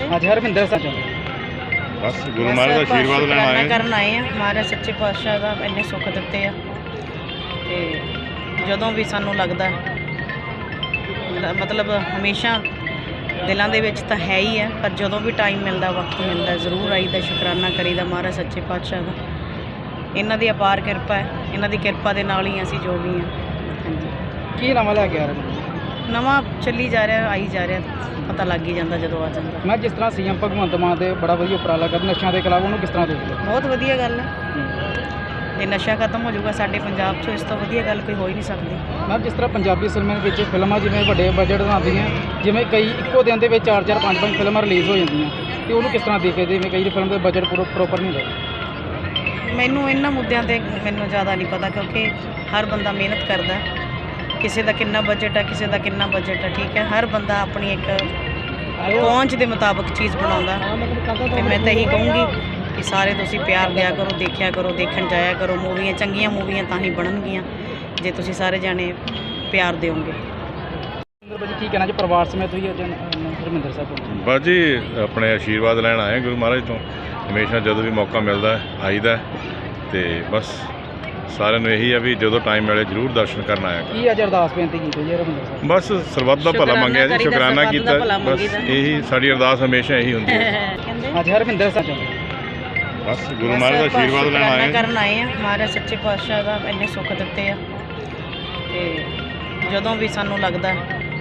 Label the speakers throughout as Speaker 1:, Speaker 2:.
Speaker 1: ਅੱਜ ਹਰਵਿੰਦਰ ਸਾਹਿਬ
Speaker 2: बस गुरु महाराज का आशीर्वाद लेना आए
Speaker 3: ਕਰਨ ਆਏ ਆ। ਮਹਾਰਾਜ ਸੱਚੇ ਪਾਤਸ਼ਾਹ ਦਾ ਇੰਨੇ ਸੁੱਖ ਦਿੱਤੇ ਆ ਤੇ ਜਦੋਂ ਵੀ ਸਾਨੂੰ ਲੱਗਦਾ ਮਤਲਬ ਹਮੇਸ਼ਾ ਦਿਲਾਂ ਦੇ ਵਿੱਚ ਤਾਂ ਹੈ ਹੀ ਹੈ, ਪਰ ਜਦੋਂ ਵੀ ਟਾਈਮ ਮਿਲਦਾ, ਵਕਤ ਮਿਲਦਾ, ਜ਼ਰੂਰ ਆਈਦਾ, ਸ਼ੁਕਰਾਨਾ ਕਰੀਦਾ ਮਹਾਰਾਜ ਸੱਚੇ ਪਾਤਸ਼ਾਹ ਦਾ। ਇਹਨਾਂ ਦੀ ਅਪਾਰ ਕਿਰਪਾ ਹੈ, ਇਹਨਾਂ ਦੀ ਕਿਰਪਾ ਦੇ ਨਾਲ ਹੀ ਅਸੀਂ ਜੋ ਵੀ ਹਾਂ। ਹਾਂਜੀ,
Speaker 1: ਕੀ ਨਵਾਂ ਲੈ ਕੇ ਆ ਰਹੇ
Speaker 3: ਨਵਾਂ ਚੱਲੀ ਜਾ ਰਿਹਾ, ਆਈ ਜਾ ਰਿਹਾ, ਪਤਾ ਲੱਗ ਹੀ ਜਾਂਦਾ ਜਦੋਂ ਆ ਜਾਂਦਾ।
Speaker 1: ਮੈਂ ਜਿਸ ਤਰ੍ਹਾਂ ਸੀਐਮ ਭਗਵੰਤ ਮਾਨ ਦੇ ਬੜਾ ਵਧੀਆ ਉਪਰਾਲਾ ਕਰ ਨਸ਼ਿਆਂ ਦੇ ਖਿਲਾਫ, ਉਹਨੂੰ ਕਿਸ ਤਰ੍ਹਾਂ ਦੇਖਦੇ ਹੋ?
Speaker 3: ਬਹੁਤ ਵਧੀਆ ਗੱਲ ਹੈ। ਜੇ ਨਸ਼ਾ ਖਤਮ ਹੋ ਜਾਊਗਾ ਸਾਡੇ ਪੰਜਾਬ 'ਚੋਂ, ਇਸ ਤੋਂ ਵਧੀਆ ਗੱਲ ਕੋਈ ਹੋ ਹੀ ਨਹੀਂ ਸਕਦੀ।
Speaker 1: ਮੈਂ ਜਿਸ ਤਰ੍ਹਾਂ ਪੰਜਾਬੀ ਸਿਨੇਮੇ ਵਿੱਚ ਫਿਲਮਾਂ ਜਿਵੇਂ ਵੱਡੇ ਬਜਟ ਬਣਾਉਂਦੀਆਂ, ਜਿਵੇਂ ਕਈ ਇੱਕੋ ਦਿਨ ਦੇ ਵਿੱਚ 4-4 5-5 ਫਿਲਮਾਂ ਰਿਲੀਜ਼ ਹੋ ਜਾਂਦੀਆਂ, ਤੇ ਉਹਨੂੰ ਕਿਸ ਤਰ੍ਹਾਂ ਦੇਖਦੇ? ਜਿਵੇਂ ਕਈ ਫਿਲਮ ਦਾ ਬਜਟ ਪ੍ਰੋਪਰ ਨਹੀਂ ਹੁੰਦਾ।
Speaker 3: ਮੈਨੂੰ ਇਹਨਾਂ ਮੁੱਦਿਆਂ ਤੇ ਮੈਨੂੰ ਜ਼ਿਆਦਾ ਨਹੀਂ ਪਤਾ, ਕਿਉਂਕਿ ਹਰ ਬੰਦਾ ਮਿਹਨਤ ਕਰਦਾ। ਕਿਸੇ ਦਾ ਕਿੰਨਾ ਬਜਟ ਹੈ, ਕਿਸੇ ਦਾ ਕਿੰਨਾ ਬਜਟ ਹੈ, ਠੀਕ ਹੈ। ਹਰ ਬੰਦਾ ਆਪਣੀ ਇੱਕ ਪਹੁੰਚ ਦੇ ਮੁਤਾਬਕ ਚੀਜ਼ ਬਣਾਉਂਦਾ, ਤੇ ਮੈਂ ਤਾਂ ਇਹੀ ਕਹੂੰਗੀ ਕਿ ਸਾਰੇ ਤੁਸੀਂ ਪਿਆਰ ਦਿਆ ਕਰੋ, ਦੇਖਿਆ ਕਰੋ, ਦੇਖਣ ਜਾਇਆ ਕਰੋ। ਮੂਵੀਆਂ ਚੰਗੀਆਂ ਮੂਵੀਆਂ ਤਾਂ ਹੀ ਬਣਨਗੀਆਂ ਜੇ ਤੁਸੀਂ ਸਾਰੇ ਜਾਣੇ ਪਿਆਰ ਦਿਓਗੇ।
Speaker 1: ਕੀ ਕਹਿਣਾ ਜੀ ਪਰਿਵਾਰ ਸਮੇਤ ਹੋਈ ਅੱਜ ਹਰਮਿੰਦਰ ਸਾਹਿਬ?
Speaker 2: बस जी अपने आशीर्वाद लैन आए गुरु महाराज तो। हमेशा जो भी मौका मिलता है आईदा, तो बस सारे यही है भी जो टाइम मिले जरूर दर्शन करना आया।
Speaker 1: ਕੀ ਅੱਜ ਅਰਦਾਸ ਬੇਨਤੀ ਕੀਤੀ ਜੀ ਹਰਮਿੰਦਰ ਸਾਹਿਬ?
Speaker 2: बस सरबत का भला मंगया जी, शुकराना किया। बस यही साड़ी अरदास हमेशा यही होंगी है।
Speaker 1: ਅੱਜ ਹਰਮਿੰਦਰ ਸਾਹਿਬ
Speaker 2: बस गुरु महाराज का आशीर्वाद लेना आए
Speaker 3: ਕਰਨ ਆਏ ਆ। ਮਹਾਰਾਜ ਸੱਚੇ ਪਾਤਸ਼ਾਹ ਦਾ ਇੰਨੇ ਸੁੱਖ ਦਿੱਤੇ ਆ ਤੇ ਜਦੋਂ ਵੀ ਸਾਨੂੰ ਲੱਗਦਾ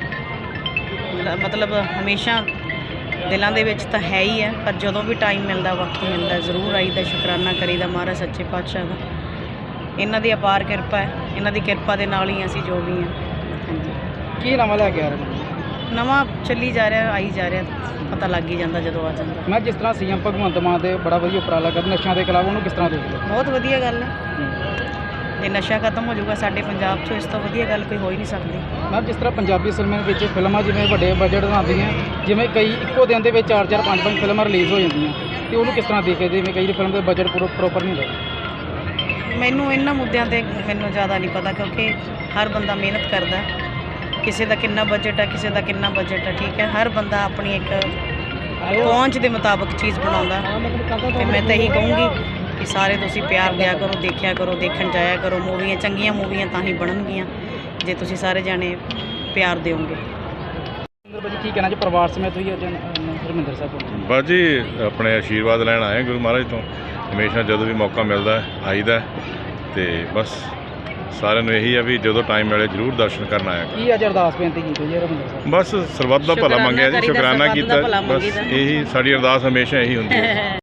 Speaker 3: ਮਤਲਬ ਹਮੇਸ਼ਾ ਦਿਲਾਂ ਦੇ ਵਿੱਚ ਤਾਂ ਹੈ ਹੀ ਹੈ, ਪਰ ਜਦੋਂ ਵੀ ਟਾਈਮ ਮਿਲਦਾ, ਵਕਤ ਮਿਲਦਾ, ਜ਼ਰੂਰ ਆਈਦਾ, ਸ਼ੁਕਰਾਨਾ ਕਰੀਦਾ ਮਹਾਰਾਜ ਸੱਚੇ ਪਾਤਸ਼ਾਹ ਦਾ। ਇਹਨਾਂ ਦੀ ਅਪਾਰ ਕਿਰਪਾ ਹੈ, ਇਹਨਾਂ ਦੀ ਕਿਰਪਾ ਦੇ ਨਾਲ ਹੀ ਅਸੀਂ ਜੋ ਵੀ ਹਾਂ। ਹਾਂਜੀ,
Speaker 1: ਕੀ ਨਵਾਂ ਲੈ ਕੇ ਆ ਰਹੇ?
Speaker 3: ਨਵਾਂ ਚੱਲੀ ਜਾ ਰਿਹਾ, ਆਈ ਜਾ ਰਿਹਾ, ਪਤਾ ਲੱਗ ਹੀ ਜਾਂਦਾ ਜਦੋਂ ਆ ਜਾਂਦਾ।
Speaker 1: ਮੈਂ ਜਿਸ ਤਰ੍ਹਾਂ ਸੀਐਮ ਭਗਵੰਤ ਮਾਨ ਦੇ ਬੜਾ ਵਧੀਆ ਉਪਰਾਲਾ ਕਰ ਨਸ਼ਿਆਂ ਦੇ ਖਿਲਾਫ, ਉਹਨੂੰ ਕਿਸ ਤਰ੍ਹਾਂ ਦੇਖਦੇ ਹੋ?
Speaker 3: ਬਹੁਤ ਵਧੀਆ ਗੱਲ ਹੈ। ਜੇ ਨਸ਼ਾ ਖਤਮ ਹੋ ਜਾਊਗਾ ਸਾਡੇ ਪੰਜਾਬ 'ਚੋਂ, ਇਸ ਤੋਂ ਵਧੀਆ ਗੱਲ ਕੋਈ ਹੋ ਹੀ ਨਹੀਂ ਸਕਦੀ।
Speaker 1: ਮੈਂ ਜਿਸ ਤਰ੍ਹਾਂ ਪੰਜਾਬੀ ਸਿਨੇਮੇ ਵਿੱਚ ਫਿਲਮਾਂ ਜਿਵੇਂ ਵੱਡੇ ਬਜਟ ਬਣਾਉਂਦੀਆਂ, ਜਿਵੇਂ ਕਈ ਇੱਕੋ ਦਿਨ ਦੇ ਵਿੱਚ 4-4 5-5 ਫਿਲਮਾਂ ਰਿਲੀਜ਼ ਹੋ ਜਾਂਦੀਆਂ, ਤੇ ਉਹਨੂੰ ਕਿਸ ਤਰ੍ਹਾਂ ਦੇਖਦੇ? ਜਿਵੇਂ ਕਈ ਫਿਲਮ ਦਾ ਬਜਟ ਪ੍ਰੋਪਰ ਨਹੀਂ ਹੁੰਦਾ।
Speaker 3: ਮੈਨੂੰ ਇਹਨਾਂ ਮੁੱਦਿਆਂ ਤੇ ਮੈਨੂੰ ਜ਼ਿਆਦਾ ਨਹੀਂ ਪਤਾ, ਕਿਉਂਕਿ ਹਰ ਬੰਦਾ ਮਿਹਨਤ ਕਰਦਾ। ਕਿਸੇ ਦਾ ਕਿੰਨਾ ਬਜਟ ਹੈ, ਕਿਸੇ ਦਾ ਕਿੰਨਾ ਬਜਟ ਹੈ, ਠੀਕ ਹੈ। ਹਰ ਬੰਦਾ ਆਪਣੀ ਇੱਕ ਪਹੁੰਚ ਦੇ ਮੁਤਾਬਕ ਚੀਜ਼ ਬਣਾਉਂਦਾ, ਤੇ ਮੈਂ ਤਾਂ ਇਹੀ ਕਹੂੰਗੀ ਕਿ ਸਾਰੇ ਤੁਸੀਂ ਪਿਆਰ ਦਿਆ ਕਰੋ, ਦੇਖਿਆ ਕਰੋ, ਦੇਖਣ ਜਾਇਆ ਕਰੋ। ਮੂਵੀਆਂ ਚੰਗੀਆਂ ਮੂਵੀਆਂ ਤਾਂ ਹੀ ਬਣਨਗੀਆਂ ਜੇ ਤੁਸੀਂ ਸਾਰੇ ਜਾਣੇ ਪਿਆਰ ਦਿਓਗੇ।
Speaker 1: ਕੀ ਕਹਿਣਾ ਜੀ ਪਰਿਵਾਰ ਸਮੇਤ ਹੋਈ ਅੱਜ ਹਰਮਿੰਦਰ ਸਾਹਿਬ?
Speaker 2: बस जी अपने आशीर्वाद लैन आए गुरु महाराज तो। हमेशा जो भी मौका मिलता है आईदा, तो बस सारे यही है भी जो टाइम मिले जरूर दर्शन करना आया।
Speaker 1: ਕੀ ਅੱਜ ਅਰਦਾਸ ਬੇਨਤੀ ਕੀਤੀ ਜੀ ਹਰਮਿੰਦਰ ਸਾਹਿਬ?
Speaker 2: बस सरबत का भला मंगया जी, शुकराना किया। बस यही साड़ी अरदास हमेशा यही होंगी है।